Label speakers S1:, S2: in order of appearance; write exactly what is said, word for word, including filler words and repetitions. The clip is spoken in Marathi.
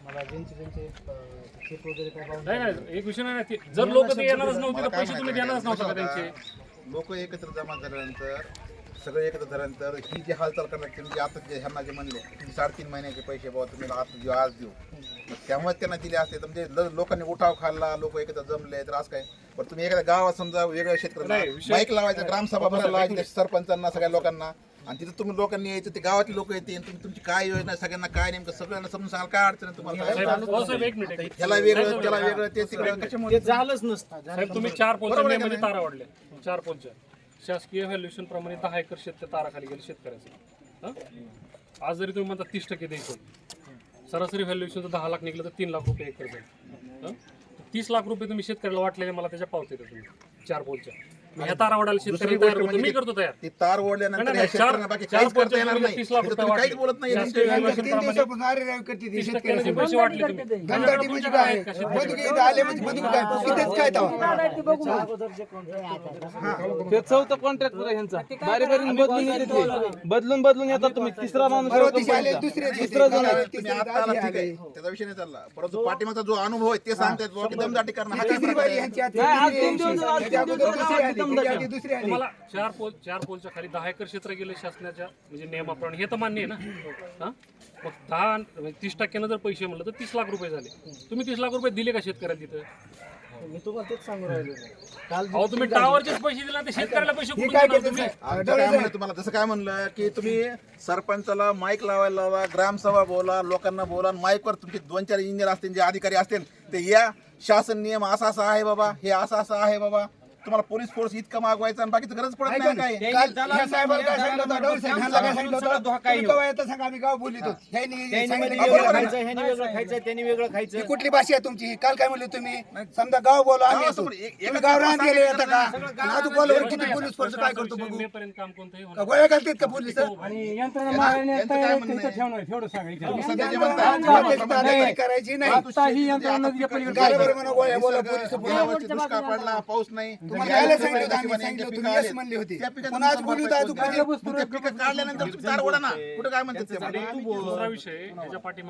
S1: नाही नाही एक विषय नाही, जर लोक ते येणारच नव्हते तर पैसे तुम्ही देणारच नव्हता का त्यांचे?
S2: लोक एकत्र जमा झाल्यानंतर सगळे एकत्र झाल्यानंतर ही जी हालचाल करणार म्हणजे आता जे ह्यांना जे म्हणले की साडेतीन महिन्याचे पैसे बाबा तुम्ही आज देऊ आज देऊ, त्यामुळे त्यांना दिले असते तर म्हणजे लोकांनी उठाव खाल्ला, लोक एकत्र जमले तर आज काय. पण तुम्ही एखाद्या गावात समजा वेगळ्या शेतकऱ्यांना बाईक लावायचं, ग्रामसभा भरायला लावायची सरपंचांना सगळ्या लोकांना, आणि तिथे तुम्ही लोकांनी यायचं, ते गावातले लोक येते, तुम्ही तुमची काय योजना सगळ्यांना काय नेमकं सगळ्यांना समजून सांगाल काय अडचण आहे तुम्हाला,
S1: एक मिनिट
S2: ह्याला वेगळं त्याला वेगळं ते तिकडे कशामुळे
S3: झालंच नसतं.
S1: साहेब तुम्ही चार पोलच्या नियमाने तारा वाढल्या, चार पोलच्या शासकीय व्हॅल्युएशन प्रमाणे दहा एकर शेत ताराखाली गेले शेतकऱ्याचं. हं? आज जरी तुम्ही म्हणता तीस टक्के द्यायचं, सरासरी व्हॅल्युएशन दहा लाख निघलं तर तीन लाख रुपये एकर जाईल. तीस लाख रुपये तुम्ही शेतकऱ्याला वाटलेले, मला त्याच्या पावते तुम्ही चार पोलच्या ह्या तारा वाढायला शेतकरी तयार होतो, मी करतो तयार.
S2: ती तार ओढल्यानंतर या शेतकऱ्यांना बाकी काहीच करता येणार नाही.
S1: तीस लाख
S2: इथं
S1: रुपये
S2: तुम्ही काहीच बोलत नाही.
S1: तीस टक्क्याने पैसे वाटले तुम्ही.
S3: ते चौथा कॉन्ट्रॅक्टर आहे ह्यांचा, बारी बारी बदलून येते, बदलून बदलून येतात. तुम्ही तिसरा माणूस तिसरा जण आहे.
S2: तुम्ही आता आला ठीक आहे, त्याचा विषय नाही चालला, परंतु पाठीमागचा जो अनुभव आहे ते सांगतायत बुवा की दमदाटी करणं हा काय प्रकार आहे?
S3: नाही, आज तीन दिवस आज तीन दिवस
S1: तुम्हाला चार पोल चार पोलच्या खाली दहा एकर क्षेत्र गेले शासनाच्या म्हणजे नियमाप्रमाणे, हे तर मान्य आहे ना. हा मग दहा म्हणजे तीस टक्क्यानं जर पैसे म्हणलं तर तीस लाख रुपये झाले. तुम्ही तीस लाख रुपये दिले का शेतकऱ्याला तिथं?
S3: मी तुम्हाला तेच सांगू राहिलो. काल
S1: अहो तुम्ही टावरचेच पैसे दिले ते शेतकऱ्याला पैसे कुठून देणार तुम्ही?
S2: आमचं काय म्हणणं तुम्हाला जसं काय म्हणलं की तुम्ही सरपंचाला माईक लावायला लावा, ग्रामसभा बोला, लोकांना बोला, माईकवर तुमचे दोन चार इंजिनियर असतील, जे अधिकारी असतील ते या, शासन नियम असा असा आहे बाबा, हे असं असं आहे बाबा, तुम्हाला पोलीस फोर्स इतका मागवायचा आणि बाकीचं गरज पडत नाही काय.
S4: कुठली भाषा आहे तुमची? काल काय म्हणले तुम्ही? समजा गाव बोला, गाव राहत गेले आता का अजून बोलवर किती पोलीस फोर्स काय करतो बघू?
S1: मेपर्यंत काम कोणतंही होणार
S4: का गोळ्या घालतात का पोलीस? करायची नाही. गोळ्या बोला पोलीस
S2: दुष्काळ पडला, पाऊस नाही,
S4: तुम्हाला यायला सांगितलं होतं, आम्ही सांगितलं तुम्ही येस म्हणले होते. पण आज बोलू तर अजून कधी?
S2: पिकं काढल्यानंतर तुम्ही तार ओढा ना, कुठं काय म्हणतात ते?
S1: दुसरा विषय याच्या पाठी